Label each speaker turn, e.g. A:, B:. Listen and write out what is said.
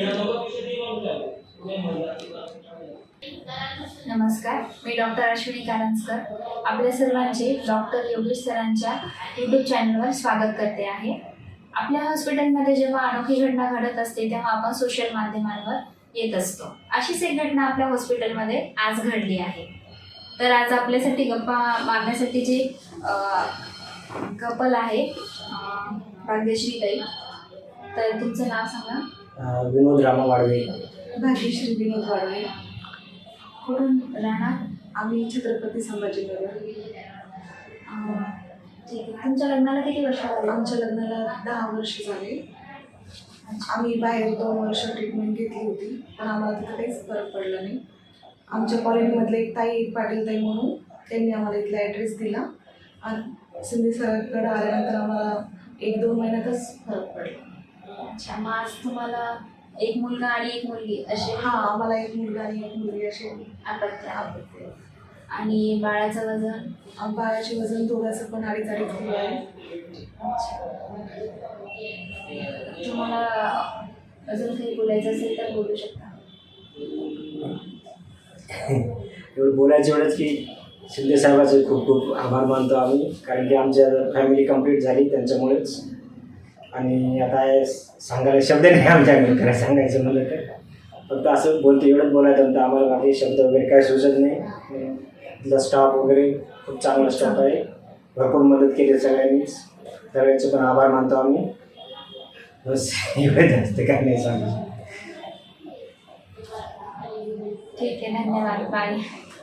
A: नमस्कार, मी डॉक्टर अश्विनी कारंजकर आपल्या सर्वांचे डॉक्टर योगेश सरांच्या यूट्यूब चॅनलवर स्वागत करते आहे. आपल्या हॉस्पिटलमध्ये जेव्हा अनोखी घटना घडत असते तेव्हा आपण सोशल माध्यमांवर येत असतो. अशीच एक घटना आपल्या हॉस्पिटलमध्ये आज घडली आहे. तर आज आपल्यासाठी गप्पा मारण्यासाठी जे कपल आहे भाग्यश्री ताई, तर तुमचं नाव सांगा.
B: विनोद रामा वाडवे.
C: भाग्यश्री विनोद वाडवे.
A: कुठून राहणार?
C: आम्ही छत्रपती संभाजीनगर.
A: ठीक आहे. तुमच्या लग्नाला किती वर्ष झाली?
C: आमच्या लग्नाला 10 वर्ष झाले. आम्ही बाहेर 2 वर्ष ट्रीटमेंट घेतली होती, पण आम्हाला तिथं काहीच फरक पडला नाही. आमच्या कॉलनीमधले एक ताई पाटील ताई म्हणून त्यांनी आम्हाला इथला ॲड्रेस दिला आणि सिंधी सरांकडे आल्यानंतर आम्हाला 1-2 महिन्यातच फरक पडला.
A: अच्छा, मग आज तुम्हाला एक मुलगा आणि एक मुलगी असे?
C: हां, आम्हाला एक मुलगा आणि एक मुलगी असे
A: आपत्ती. आणि बाळाचं वजन?
C: बाळाचे वजन दोघांचं पण 2.5 किलो आहे.
A: तुम्हाला अजून काही बोलायचं असेल तर बोलू शकता.
B: एवढं बोलायचं एवढंच की शिंदे साहेबाचे खूप खूप आभार मानतो आम्ही, कारण की आमच्या फॅमिली कंप्लीट झाली त्यांच्यामुळेच. आणि आता सांगायला शब्द नाही आमच्याकडे, खरं सांगायचं म्हणलं तर. फक्त असं बोलतो, एवढंच बोलायचं नंतर आम्हाला बाकी शब्द वगैरे काय सुचत नाही. तिथला स्टाफ वगैरे खूप चांगला स्टाफ आहे, भरपूर मदत केली सगळ्यांनीच. सगळ्यांचे पण आभार मानतो आम्ही. बस एवढं जास्त काय नाही सांगायचं.
A: ठीक आहे, धन्यवाद, बाय.